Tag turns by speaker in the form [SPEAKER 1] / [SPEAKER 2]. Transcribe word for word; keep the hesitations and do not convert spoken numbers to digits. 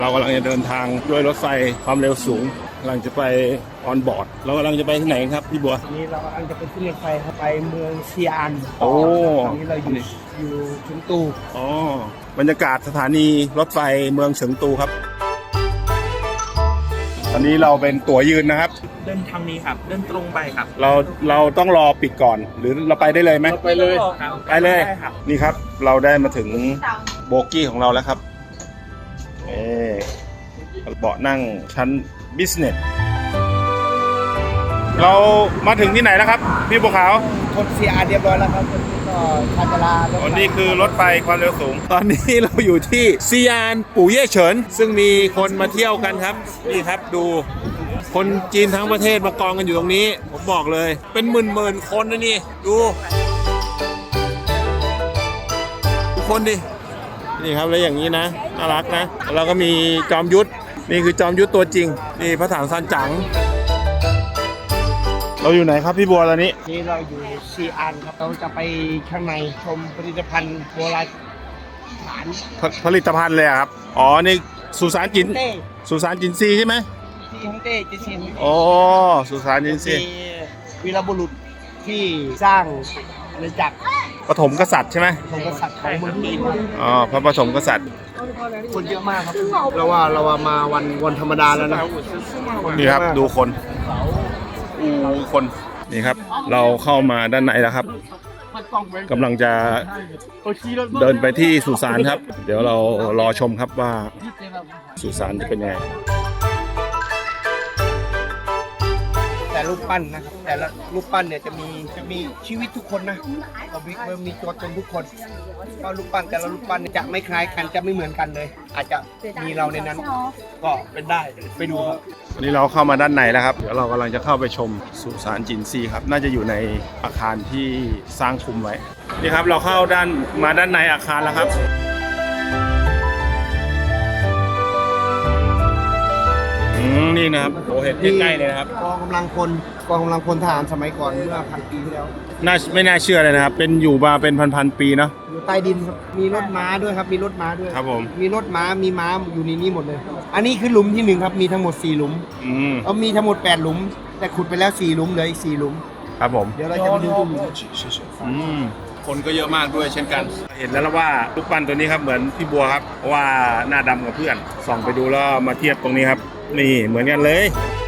[SPEAKER 1] กำลังจะเดินทางด้วยรถไฟความเร็วสูงกำลังจะไปออนบอร์ดเรากำลังจะไปที่ไหนครับพี่บัว
[SPEAKER 2] นี้เรากำลังจะไปขึ้นรถไฟครับไปเมืองซีอาน
[SPEAKER 1] โอ้
[SPEAKER 2] ตอนนี้เราอยู่อยู่เฉิงตู
[SPEAKER 1] อ๋อบรรยากาศสถานีรถไฟเมืองเฉิงตูครับตอนนี้เราเป็นตั๋วยืนนะครับ
[SPEAKER 2] เดินทางนี้ครับเดินตรงไปครับ
[SPEAKER 1] เราเราต้องรอปิดก่อนหรือเราไปได้เลยไหม
[SPEAKER 2] ไปเลย
[SPEAKER 1] ไปเลยนี่ครับเราได้มาถึงโบกี้ของเราแล้วครับเออเบาะนั่งชั้นบิสเนสเรามาถึงที่ไหนแล้วครับพี่บัวขาว
[SPEAKER 2] ชนซีอานเรียบร้อยแล้วครับก็ชาจารา
[SPEAKER 1] ตอนนี้คือรถไฟความเร็วสูงตอนนี้เราอยู่ที่ซีอานปู่เย่เฉินซึ่งมีคนมาเที่ยวกันครับนี่ครับดูคนจีนทั้งประเทศมากองกันอยู่ตรงนี้ผมบอกเลยเป็นหมื่นๆคนนะนี่ดูทุกคนดินี่ครับแล้วอย่างนี้นะน่ารักนะเราก็มีจอมยุทธนี่คือจอมยุทธตัวจริงนี่พระถังซานจั๋งเราอยู่ไหนครับพี่บัวตอนนี้
[SPEAKER 2] นี่เราอยู่ซีอานครับเราจะไปข้างในชมผลิตภัณฑ์โบราณฐาน
[SPEAKER 1] ผลิตภัณฑ์เลยครับอ๋อนี่สุสานจินสุสานจินซีใช่ไหม
[SPEAKER 2] ที่ฮังเต้จินซี
[SPEAKER 1] อ๋อสุสานจินซี
[SPEAKER 2] วีรบุรุษที่สร้างอาณาจักร
[SPEAKER 1] ปฐมกษัตริย์ใช่ไหม
[SPEAKER 2] ปฐมกษัตริย์ของเมืองจีน
[SPEAKER 1] อ๋อพระปฐมกษัตริย์
[SPEAKER 2] คนเยอะมากครับเราว่าเราว่ามาวันวันธรรมดาแล้วนะ
[SPEAKER 1] นี่ครับดูคนอู้คนนี่ครับเราเข้ามาด้านในแล้วครับกำลังจะเดินไปที่สุสานครับเดี๋ยวเรารอชมครับว่าสุสานจะเป็นยังไง
[SPEAKER 2] แต่รูปปั้นนะครับแต่ละรูปปั้นเนี่ยจะมีจะมีชีวิตทุกคนนะเรามีมีตัวตนทุกคนก็รูปปั้นแต่ละรูปปั้นจะไม่คล้ายกันจะไม่เหมือนกันเลยอาจจะมีเราในนั้นก็เป็นได้ไปดูครับ
[SPEAKER 1] วันนี้เราเข้ามาด้านในแล้วครับเดี๋ยวเรากำลังจะเข้าไปชมสุสานจินซีครับน่าจะอยู่ในอาคารที่สร้างคุมไว้นี่ครับเราเข้าด้านมาด้านในอาคารแล้วครับนี่นะครับโอ้เห็นใกล้ๆเลยนะครับ
[SPEAKER 2] กองกำลังพลกองกำลังพลทหารสมัยก่อนเมื่อพันปีที่แล้ว
[SPEAKER 1] น่าไม่น่าเชื่อเลยนะครับเป็นอยู่มาเป็นพันๆปีเนาะ
[SPEAKER 2] อยู่ใต้ดินครับมีรถม้าด้วยครับมีรถม้าด้วย
[SPEAKER 1] ครับผม
[SPEAKER 2] มีรถม้ามีม้าอยู่ในนี้หมดเลยอันนี้คือหลุมที่หนึ่งครับมีทั้งหมดสี่หลุม
[SPEAKER 1] อืม
[SPEAKER 2] เอามีทั้งหมดแปดหลุมแต่ขุดไปแล้วสี่หลุมเหลืออีกสี่หลุม
[SPEAKER 1] ครับผม
[SPEAKER 2] เดี๋ยวเราจะไปดูตรงนี้
[SPEAKER 1] อืมคนก็เยอะมากด้วยเช่นกันเห็นแล้วว่ารูปปั้นตัวนี้ครับเหมือนพี่บัวครับเพราะว่าหน้าดำกับเพื่อนส่องไปดูแล้วมาเทียบตรงนี้ครับนี่เหมือนกันเลย